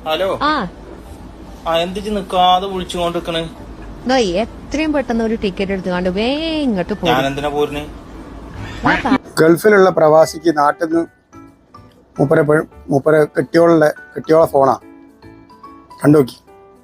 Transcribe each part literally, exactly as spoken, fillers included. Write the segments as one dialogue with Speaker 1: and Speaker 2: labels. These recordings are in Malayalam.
Speaker 1: ഹലോ
Speaker 2: ആ
Speaker 1: ആ എന്തിച്ച് നിക്കാതെ വിളിച്ചുകൊണ്ടിരിക്കണ്?
Speaker 2: ദാ എത്രയും പെട്ടെന്ന് ഒരു ടിക്കറ്റ് എടുത്തുകൊണ്ട് വേ ഇങ്ങോട്ട്
Speaker 1: ഞാൻ
Speaker 2: പോകും.
Speaker 1: എന്തിനാ പോരുന്നേ?
Speaker 3: ഗൾഫിലുള്ള പ്രവാസിക്ക് നാട്ടിൽ നിന്ന് മൂപ്പരെ പെ- മൂപ്പരെ കെട്ടിയോളുടെ കെട്ടിയോളെ ഫോണാ കണ്ടുനോക്കി.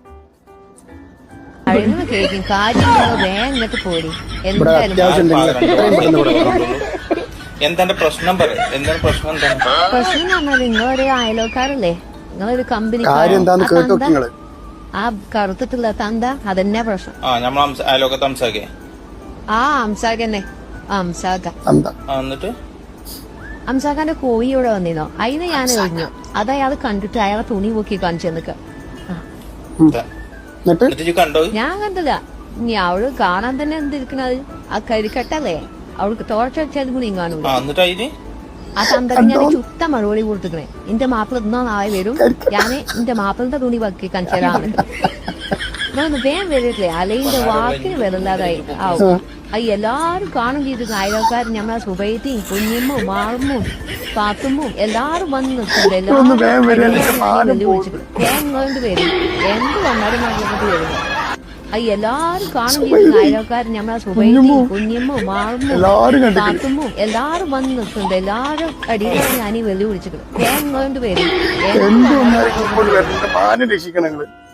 Speaker 2: കഴിയുന്ന കേൾക്കും കാര്യം വേ ഇങ്ങോട്ട് പോരി.
Speaker 3: ഇവിടെ
Speaker 2: എന്തായാലും
Speaker 3: അത്യാവശ്യം ഉണ്ടെങ്കിൽ എത്രയും പെട്ടെന്ന് ഇവിടെ വരണം.
Speaker 1: എന്താണ് പ്രശ്നം പറ എന്താണ് പ്രശ്നം എന്താണ്?
Speaker 2: പ്രശ്നം എന്ന് പറഞ്ഞാൽ നിങ്ങളൊരു അയലോക്കാരല്ലേ, നിങ്ങളൊരു കമ്പനി
Speaker 3: കാര്യം എന്താന്ന് കേട്ടു നോക്കി നിങ്ങള്.
Speaker 2: ആ കറുത്തിട്ടുള്ള തന്ത അതന്നെ പ്രശ്നം.
Speaker 1: ആ നമ്മൾ അയലോക്കത്ത് സംസാരിക്കേ.
Speaker 2: ആ അംസാഖന്നെ അംസാഖ
Speaker 3: എന്താ
Speaker 1: ആ എന്നിട്ട്
Speaker 2: അംസാഖാന്റെ കോഴി ഇവിടെ വന്നിരുന്നോ, അതിന് ഞാൻ എറിഞ്ഞു. അത് അയാൾ കണ്ടിട്ട് അയാളെ തുണി പൊക്കി കാണിച്ചു നിക്ക.
Speaker 3: എന്നിട്ട്
Speaker 1: എന്നിട്ട് ഇജ്ജ് കണ്ടോ?
Speaker 2: ഞാൻ കണ്ടില്ല. ഇനി അവള് കാണാൻ തന്നെ എന്തിരിക്കണത്, ആ കരിക്കട്ടല്ലേ അവൾക്ക് തോർച്ച വെച്ചാലും കൂടി കാണൂല.
Speaker 1: ആ എന്നിട്ട് അതിന്
Speaker 2: ആ തന്തക്ക് ഞാൻ ചുട്ട മറുപടി കൊടുത്തിക്കണേ. എന്റെ മാപ്പിള ഇന്നോ നാളെ വരും, ഞാന് എന്റെ മാപ്പിളിന്റെ തുണി പൊക്കി കാണിച്ചു തരാന്ന്. ഇതൊന്ന് വേഗം വരില്ലേ, അലയിന്റെ വാക്കിന് വരില്ലാതായി ആവും. അത് എല്ലാരും കാണും ചെയ്തിരുന്നു. അയൽക്കാരും ഞമ്മളെ സുബൈത്തിയും കുഞ്ഞിമ്മും മാറുമ്മും പാത്തുമ്മും എല്ലാരും വന്ന് നിൽക്കുന്നുണ്ട്. എല്ലാരും വിളിച്ചിട്ട് വേഗം കൊണ്ട് വരും, എന്ത് വന്നാലും നാട്ടിലോട്ട് വരും. അത് എല്ലാരും കാണും ചെയ്തിരുന്നു. അയൽക്കാരും ഞമ്മളെ സുബൈത്തിയും കുഞ്ഞിമ്മും മാറുമ്മും പാത്തുമ്മും എല്ലാരും വന്ന് നിൽക്കുന്നുണ്ട്. എല്ലാരും അടിയിലാണ് ഞാൻ ഈ വെല്ലു വിളിച്ചിട്ട് വേഗം കൊണ്ട് വരും, എന്ത് വന്നാലും
Speaker 3: മാനം രക്ഷിക്കണം നിങ്ങള്.